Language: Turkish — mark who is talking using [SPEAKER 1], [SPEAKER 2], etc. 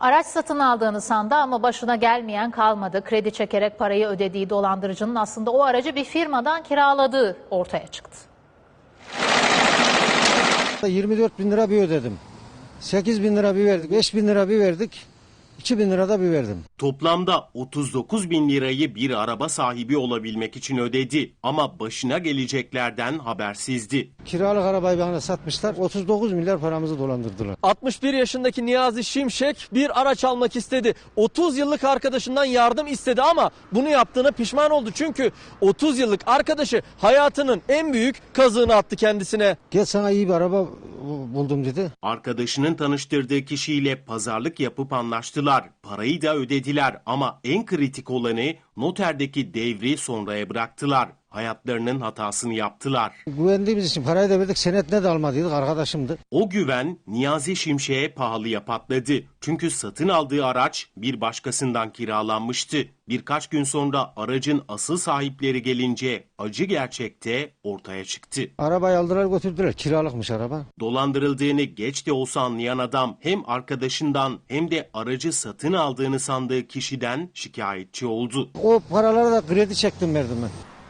[SPEAKER 1] Araç satın aldığını sandı ama başına gelmeyen kalmadı. Kredi çekerek parayı ödediği dolandırıcının aslında o aracı bir firmadan kiraladığı ortaya çıktı.
[SPEAKER 2] 24 bin lira bir ödedim. 8 bin lira bir verdik, 5 bin lira bir verdik, 2 bin lira da bir verdim.
[SPEAKER 3] Toplamda 39 bin lirayı bir araba sahibi olabilmek için ödedi ama başına geleceklerden habersizdi.
[SPEAKER 2] Kiralık arabayı bana satmışlar, 39 milyar paramızı dolandırdılar.
[SPEAKER 4] 61 yaşındaki Niyazi Şimşek bir araç almak istedi. 30 yıllık arkadaşından yardım istedi ama bunu yaptığına pişman oldu. Çünkü 30 yıllık arkadaşı hayatının en büyük kazığını attı kendisine.
[SPEAKER 2] Gel sana iyi bir araba buldum dedi.
[SPEAKER 3] Arkadaşının tanıştırdığı kişiyle pazarlık yapıp anlaştılar. Parayı da ödediler ama en kritik olanı noterdeki devri sonraya bıraktılar. Hayatlarının hatasını yaptılar.
[SPEAKER 2] Güvendiğimiz için parayı da verdik, senetine de almadıydık, arkadaşımdı.
[SPEAKER 3] O güven Niyazi Şimşek'e pahalıya patladı. Çünkü satın aldığı araç bir başkasından kiralanmıştı. Birkaç gün sonra aracın asıl sahipleri gelince acı gerçekte ortaya çıktı.
[SPEAKER 2] Arabayı aldılar götürdüler, kiralıkmış araba.
[SPEAKER 3] Dolandırıldığını geç de olsa anlayan adam hem arkadaşından hem de aracı satın aldığını sandığı kişiden şikayetçi oldu.
[SPEAKER 2] O paraları da kredi çektim verdim ben.